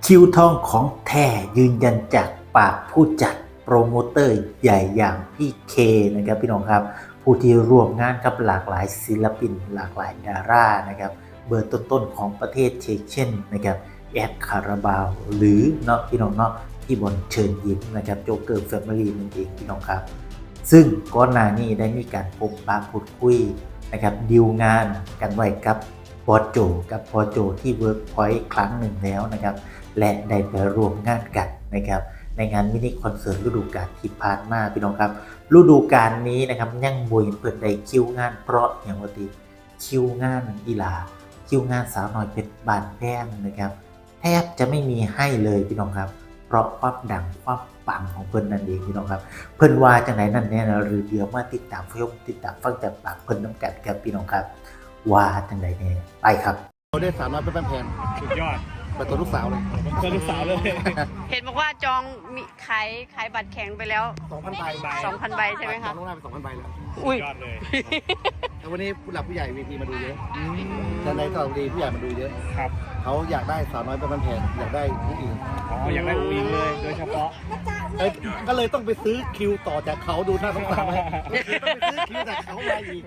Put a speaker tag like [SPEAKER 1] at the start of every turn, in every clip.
[SPEAKER 1] คิวทองของแท้ยืนยันจากปากผู้จัดโปรโมเตอร์ใหญ่อย่างพี่เคนะครับพี่น้องครับผู้ที่ร่วมงานกับหลากหลายศิลปินหลากหลายดารานะครับเบอร์ต้นๆของประเทศเช่นนะครับแอดคาราบาวหรือเนาะพี่น้องเนาะที่บนเชิญยิ้มนะครับโจ๊กเกอร์แฟมิลี่นั่นเองพี่น้องครับซึ่งก่อนหน้านี้ได้มีการพบปะพูดคุยนะครับดีลงานกันไว้กับบอสโจกับพอโจที่เวิร์กพอยต์ครั้งหนึ่งแล้วนะครับและได้ไปร่วมงานกันนะครับในงานมินิคอนเสิร์ตฤดูกาลที่ผ่านมาพี่น้องครับฤดูกาลนี้นะครับยังบ่เห็นเปิดได้คิวงานเพราะอย่างว่าติคิวงานอีหลาคิวงานสาวน้อยเพชรบานแพงนะครับแทบจะไม่มีให้เลยพี่น้องครับเพราะความดังความปังของเพิ่นนั่นเองพี่น้องครับเพิ่นว่าจังไหนนั่นแน่นะหรือเดี๋ยวมาติดตามติดตามฟังจากปากเพิ่นน้ำกันครับพี่น้องครับว่าจังไหนแน่ไปครับ
[SPEAKER 2] เราได้300เป็นแพง
[SPEAKER 3] สุดยอด
[SPEAKER 2] เปิดตัวลูกสาวเลย
[SPEAKER 3] เจอลูกสาวเลย
[SPEAKER 4] เห็นบอกว่าจองมีขายบัตรแข็งไปแล้ว
[SPEAKER 2] 2,000 ใบ
[SPEAKER 4] 2,000 ใบใช่ไหมคะ
[SPEAKER 2] จองล่วงหน้าไป 2,000 ใบแล้ว
[SPEAKER 4] อุ้ย
[SPEAKER 3] ยอดเลย
[SPEAKER 2] แล้ววันนี้ผู้หลักผู้ใหญ่ VP มาดูเยอะแต่ในสระบุรีผู้ใหญ่มาดูเยอะ
[SPEAKER 3] ครับ
[SPEAKER 2] เขาอยากได้สาวน้อยเป็นแพงอยากได้ผู้หญิง
[SPEAKER 3] อ๋ออยากได้อูอิงเลยโดยเฉพาะ
[SPEAKER 2] ก็เลยต้องไปซื้อคิวต่อจากเขาดูหน้าสงสารไหมต้องไปซื้อคิวจากเขามาอีก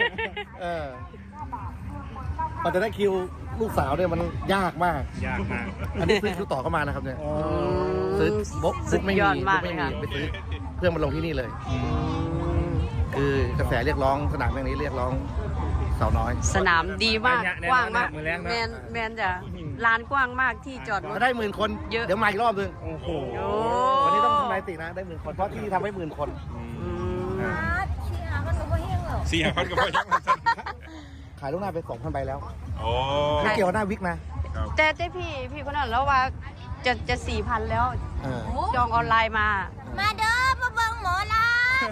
[SPEAKER 2] พอจะได้คิวลูกสาวเนี่ยมันยากมาก
[SPEAKER 3] ยากมาก
[SPEAKER 2] อันนี้ซื้อคิวต่อเข้ามานะครับเนี่ยซื้อบุ๊กไม่มีไปซื้อเพื่อมาลงที่นี่เลย คือกระแสเรียกร้องสนามแห่งนี้เรียกร้องสาวน้อย
[SPEAKER 4] สนามดีมากกว้างมากแมนจะลานกว้างมากที่จอดรถ
[SPEAKER 2] ถ้าได้10,000 คนเดี๋ยวมาอีกรอบนึง
[SPEAKER 3] โอ้โห
[SPEAKER 2] วันนี้ต้องทำลายตินะได้10,000 คนเพราะที่ทำให้10,000 คน
[SPEAKER 3] 4,000ก็พอยัง
[SPEAKER 2] ขายลูกหน้าไป 2,000 ใบแล้ว
[SPEAKER 3] โอ้
[SPEAKER 2] ไม่เกี่ยวหน้าวิกนะ
[SPEAKER 4] แต่พี่คนนั้นแล้วว่าจะ 4,000 แล้วจองออนไลน์มา
[SPEAKER 5] เด้อมาเบิ่งหมอลา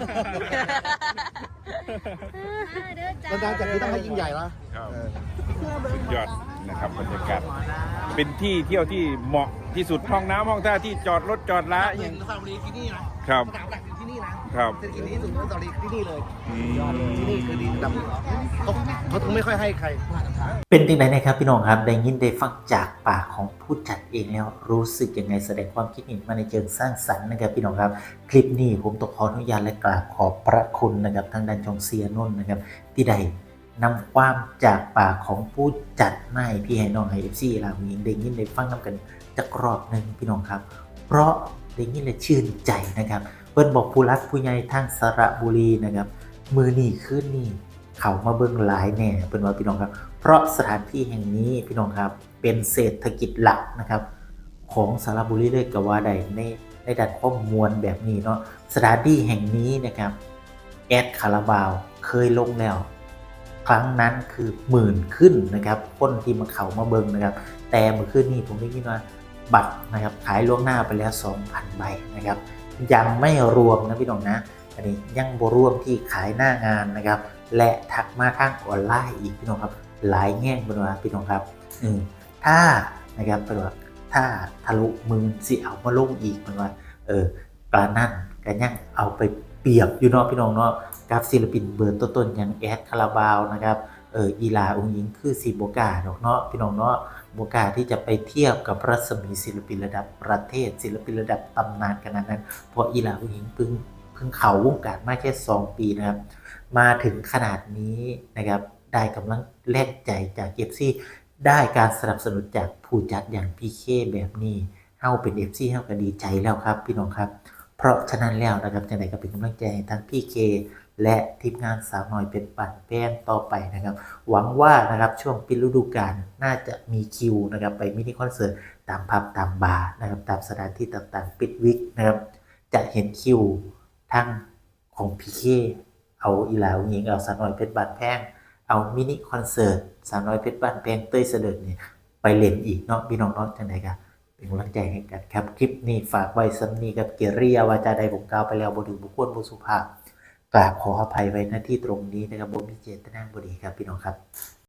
[SPEAKER 2] แล้วการจัดที่ต้องให้ยิ่งใหญ่ละ
[SPEAKER 3] สุดยอดนะครับบรรยากาศเป็นที่เที่ยวที่เหมาะที่สุดห้องน้ำห้องท่าที่จอดรถจอดละ
[SPEAKER 2] อย่างสระบุรีที่นี่นะครับสนามหลักอยู่ที่นี่นะครับเศรษฐกิจที่สุดของสระบุรีที่นี่เลยที่นี่คือดีดำเขาถึงไม่ค่อยให้ใคร
[SPEAKER 1] เป็นยังไงนะครับพี่น้องครับได้ยินได้ฟังจากปากของผู้จัดเองแล้วรู้สึกยังไงแสดงความคิดเห็นมาในเชิงสร้างสรรค์นะครับพี่น้องครับคลิปนี้ผมต้องขออนุญาตและกราบขอบพระคุณนะครับทางด้านจงเซียนนท์นะครับที่ได้นำความจากปากของผู้จัดมาให้พี่ให้น้องให้FCเราเองได้ยินได้ฟังนำกันจักรอบหนึ่งพี่น้องครับเพราะได้ยินและชื่นใจนะครับเพิ่นบอกผู้รักผู้ใหญ่ทางสระบุรีนะครับมือนี่คืนนี่เขามาเบิ่งหลายแน่เป็นว่าพี่น้องครับเพราะสถานที่แห่งนี้พี่น้องครับเป็นเศรษฐกิจหลักนะครับของสระบุรีเลยก็ว่าได้ในด้านข้อมูลแบบนี้เนาะสถานที่แห่งนี้นะครับแอดคาราบาวเคยลงแล้วครั้งนั้นคือ10,000ขึ้นนะครับคนที่มาเขามาเบิ่งนะครับแต่เมื่อคืนนี้ผมได้ยินว่าบัตรนะครับขายล่วงหน้าไปแล้ว 2,000 ใบนะครับยังไม่รวมนะพี่น้องนะอันนี้ยังบ่รวมที่ขายหน้างานนะครับและทักมาทางออนไลน์อีกพี่น้องครับหลายแง่งเป็นว่าพี่น้องครับถ้านะครับเป็นว่าถ้าทะลุมือสิเอามาลงอีกเป็นว่าปลานั่นกันยังเอาไปเปรียบอยู่เนาะพี่น้องเนาะกับศิลปินเบอร์ต้นๆอย่างแอดคาราบาวนะครับอีลาองค์หญิงคือสีโบกาเนาะพี่น้องเนาะโบกาที่จะไปเทียบกับรัศมีศิลปินระดับประเทศศิลปินระดับตำนานขนาดนั้นเพราะอีลาองค์หญิงเพิ่งเข้าวงการมาแค่2 ปีนะครับมาถึงขนาดนี้นะครับได้กำลังแรงใจจากFCได้การสนับสนุนจากผู้จัดอย่างพี่เคแบบนี้เฮาเป็น FC เฮาก็ดีใจแล้วครับพี่น้องครับเพราะฉะนั้นแล้วนะครับจังได๋ก็เป็นกำลังใจให้ทั้งพี่เคและทีมงานสาวน้อยเป็นปั่นแป้งต่อไปนะครับหวังว่านะครับช่วงปิดฤดูกาลน่าจะมีคิวนะครับไปมินิคอนเสิร์ตตามผับตามบาร์นะครับตามสถานที่ต่างๆปิดวิกนะครับจะเห็นคิวทั้งของพี่เคเอาอีหลาหญิงเอาสาวน้อยเป็นปั่นแป้งเอามินิคอนเสิร์ตสาวน้อยเพชรบ้านแพงเต้ยเสด็จนี่ไปเล่นอีกเนาะพี่น้องเนาะจังได๋ครับเป็นกำลังใจให้กันครับคลิปนี้ฝากไว้ซ้ำนี้กับเกียริยาวาจาใดผมกล่าวไปแล้วบ่ถึงบุคคลบ่สุภาพกราบขออภัยไว้ณที่ตรงนี้นะครับบ่มีเจตนาบ่ดีครับพี่น้องครับ